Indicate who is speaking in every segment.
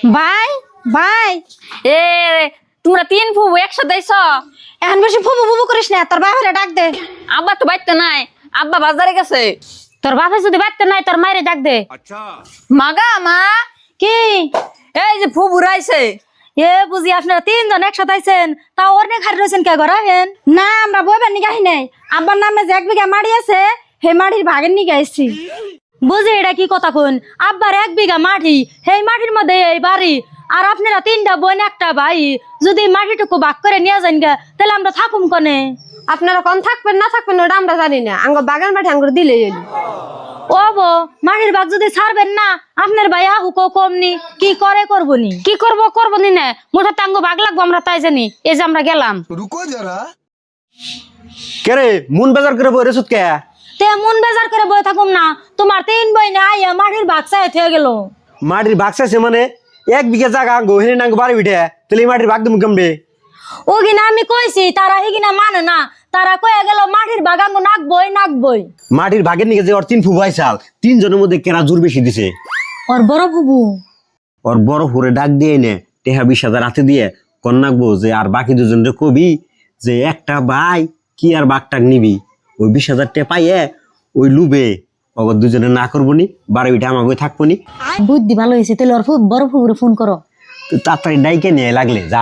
Speaker 1: ভাই ভাই
Speaker 2: এ তোমরা তিন ফুবু একসাথে আইছো?
Speaker 1: এখন বেশি ফুবু ফুবু করিস না, তোর বাপেরে ডাক দে।
Speaker 2: আব্বা তো বাইতে নাই, আব্বা বাজারে গেছে।
Speaker 1: তোর বাপে যদি বাড়তে নাই তোর মায়েরে ডাক দে।
Speaker 2: মাগা মা
Speaker 1: কি
Speaker 2: এই যে ফুবু রাইছে।
Speaker 1: এ বুঝি আপনারা তিনজন একসাথে আইছেন, তা ওর নে খারি রয়েছেন কে ঘরে হেন? না আমরা বইবার নিকে আহি নাই, আব্বার নামে যে 1 বিঘা মাটি আছে হে মাটির ভাগের নিকে আইছি। বুঝি এটা কি কথা কোন? আব্বার 1 বিঘা মাটি, সেই মাটির মধ্যে এই বাড়ি, আর আপনারা 3টা বোন 1টা ভাই, যদি মাটিটুকু ভাগ করে নিয়ে যান গে তাহলে আমরা থাকুম কনে?
Speaker 3: আপনারা কোন থাকবেন না থাকবেন ওটা আমরা জানি না, আঙ্গ বাগান বাড়ি আঙ্গুর দিলেই হইল।
Speaker 1: ও বো মাটির ভাগ যদি ছাড়বেন না, আপনার ভাই আহুকো কমনি কি করে করবনি?
Speaker 2: কি করবো নি না, মোটা টাঙ্গো ভাগ লাগবো আমরা তাই জানি। এই যে আমরা গেলাম।
Speaker 4: रुको जरा কেরে মন বাজার করে বই রেসুত কে?
Speaker 1: তে মন বেজার করে বই থাকুম না, তোমার 3 বই না আইয়া মাটির ভাগ চাই হয়ে গেল।
Speaker 4: মাটির ভাগ চাইছে মানে 1 বিঘা জায়গা আঙ্গো হেনে নাঙ্গো বাড়ি উঠে তাহলে এই মাটির ভাগ তুমি কেমবে?
Speaker 1: ও কিনা আমি কইছি, তারা হিগিনা মানে না, তারা কয়ে গেল মাটির ভাগ আঙ্গো নাকবই।
Speaker 4: মাটির ভাগের নিকে যে ওর 3 ফুবাই চাল 3 জনের মধ্যে কেনা জোর বেশি দিছে।
Speaker 1: ওর বড় ফুবু
Speaker 4: ওর বড় হুরে ডাক দিয়ে নে টেহা 20,000 হাতে দিয়ে কন নাকবো যে আর বাকি দুজনরে কবি যে একটা ভাই কি আর বাঘটাক নিবি, ওই 20,000 টাকা পাইয়ে ওই লুবে অগর দুজনে না করবো নি, বাড়ি উঠে আমাকে থাকবো নি।
Speaker 1: বুদ্ধি ভালো হয়েছে, তাহলে ওর বড় ফুবুরে ফোন করো।
Speaker 4: তো তাড়াতাড়ি ডাইকে নিয়ে লাগলে যা।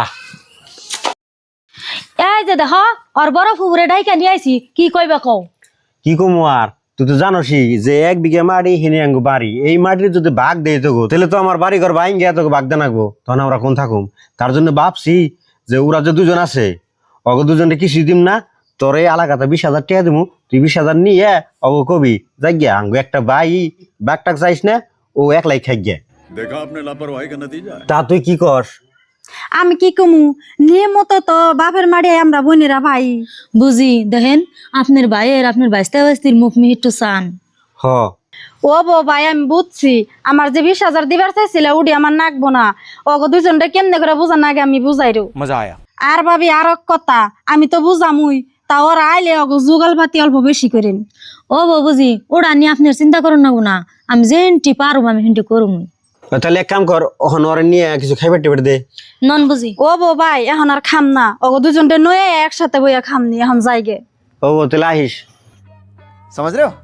Speaker 1: এই যে দেখ ওর বড় ফুবুরে ডাইকা নিয়ে আইছি, কি কইবা কও?
Speaker 4: কি কমু আর, তুই তো জানোসই যে 1 বিঘা মাটি হেনে আঙ্গো বাড়ি, এই মাটির যদি ভাগ দেয় তো তাহলে তো আমার বাড়ি ঘর বাইন গিয়া তোকে ভাগ দে নাকবো, তখন আমরা কোন থাকুম। তার জন্য ভাবছি যে ওরা যে দুজন আছে অগ দুজনে কিছু দিম না, তোর এই এলাকাতে 20,000 টাকা দিমু, তুই 20,000 নিয়ে অগ কবি যাই গিয়া আঙ্গো একটা ভাই বাঘ টাক চাইস না, ও একলাই খাই গিয়া।
Speaker 5: देखा आपने लापरवाही का नतीजा है।
Speaker 4: তা তুই কি কর?
Speaker 1: আমি কি কমু, নিয়মত তো বাপের মাড়ে আমরা বোনেরা ভাই। বুঝি দেখেন আপনার ভাইয়ের আপনার বাইস্তির মুখ মিহিটু চান।
Speaker 4: হ
Speaker 1: ও বো ভাই আমি বুঝছি, আমার যে 20,000 দিবার চাইছিল উডি আমার নাকবো না, ওগো দুজনটা কেমনে করে বুঝান আগে আমি বুঝাইরো।
Speaker 6: मजा आया।
Speaker 1: আর ভাবি আর এক কথা, আমি তো বুঝামুই, তা ওরা আইলে ওগো যুগল পাতি অল্প বেশি করেন। ও বো বুঝি ওরা নিয়ে আপনার চিন্তা করুন না, আমি যেনটি পারুম আমি হেনটি করুমই।
Speaker 4: তাহলে এক কাম কর, ওখানে ওরে নিয়ে কিছু খাইবার টেবার দে।
Speaker 1: নন বুঝি ও বো ভাই এখন আর খাম না, ওগো দুজনটা নয়ে একসাথে বইয়া খামনি, এখন যাইগে।
Speaker 4: ও তাহলে আহিস।
Speaker 6: समझ रहे हो?